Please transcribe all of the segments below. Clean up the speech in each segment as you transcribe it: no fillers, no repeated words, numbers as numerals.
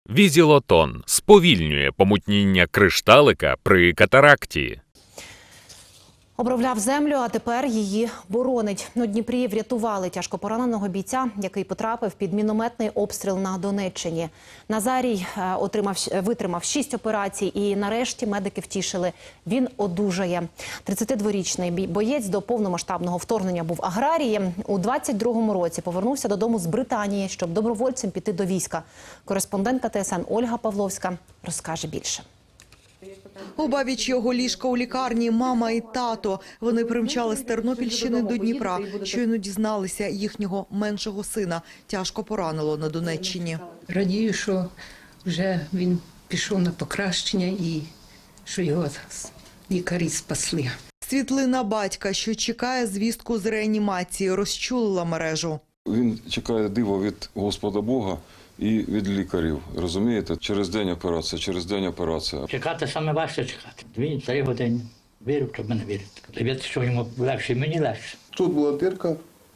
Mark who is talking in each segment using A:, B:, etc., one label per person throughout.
A: Візілотон сповільнює помутніння кришталика при катаракті.
B: Обробляв землю, а тепер її боронить. У Дніпрі врятували тяжко пораненого бійця, який потрапив під мінометний обстріл на Донеччині. Назарій витримав 6 операцій і нарешті медики втішили. Він одужає. 32-річний боєць до повномасштабного вторгнення був аграрієм. У 22-му році повернувся додому з Британії, щоб добровольцем піти до війська. Кореспондентка ТСН Ольга Павловська розкаже більше.
C: Обабіч його ліжка у лікарні мама і тато. Вони примчали з Тернопільщини до Дніпра. Щойно дізналися, їхнього меншого сина тяжко поранило на Донеччині.
D: Радію, що вже він пішов на покращення і що його лікарі спасли.
C: Світлина батька, що чекає звістку з реанімації, розчулила мережу.
E: Він чекає дива від Господа Бога і від лікарів. Розумієте? Через день операція.
F: Чекати саме важче чекати. 2-3 години. Вірю, щоб мене вірити. Вірити, що йому легше, і мені легше.
G: Тут була дирка,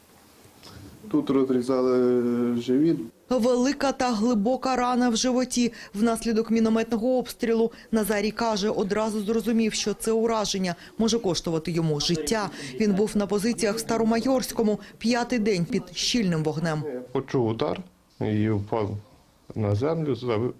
G: тут розрізали живіт.
C: Велика та глибока рана в животі внаслідок мінометного обстрілу. Назарій каже, одразу зрозумів, що це ураження може коштувати йому життя. Він був на позиціях в Старомайорському 5-й день під щільним вогнем.
G: Почув удар і впав на землю,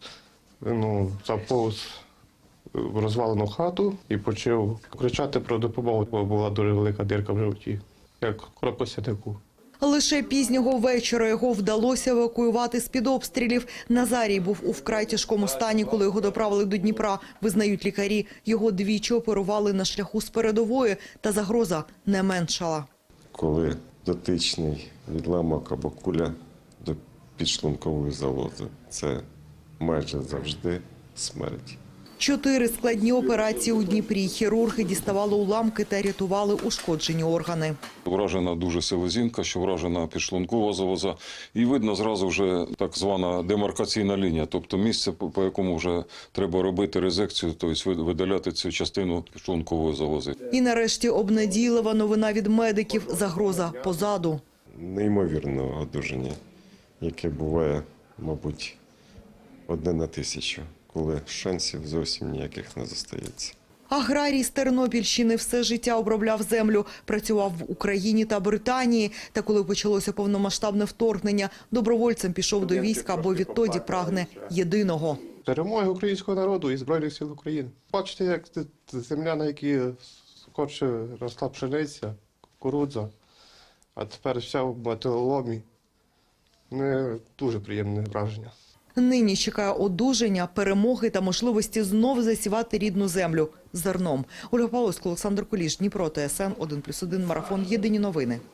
G: заповз в розвалену хату і почав кричати про допомогу, бо була дуже велика дирка в животі, як кропосятику.
C: Лише пізнього вечора його вдалося евакуювати з-під обстрілів. Назарій був у вкрай тяжкому стані, коли його доправили до Дніпра. Визнають лікарі, його двічі оперували на шляху з передової, та загроза не меншала.
H: Коли дотичний відламок або куля до підшлункової залози, це майже завжди смерть.
C: 4 складні операції у Дніпрі. Хірурги діставали уламки та рятували ушкоджені органи.
E: Вражена дуже селезінка, що вражена підшлункова залоза. І видно зразу вже так звана демаркаційна лінія, тобто місце, по якому вже треба робити резекцію, тобто видаляти цю частину підшлункової залози.
C: І нарешті обнадійлива новина від медиків – загроза позаду.
H: Неймовірне одужання, яке буває, мабуть, 1 на 1000. Коли шансів зовсім ніяких не зостається.
C: Аграрій з Тернопільщини все життя обробляв землю, працював в Україні та Британії. Та коли почалося повномасштабне вторгнення, добровольцем пішов до війська, бо відтоді прагне єдиного.
G: Перемоги українського народу і Збройних сил України. Бачите, як земля, на якій скорше росла пшениця, кукурудза, а тепер вся в металоломі. Не дуже приємне враження.
C: Нині чекає одужання, перемоги та можливості знов засівати рідну землю зерном. Ольга Павловська, Олександр Куліш, Дніпро, ТСН 1+1, марафон. Єдині новини.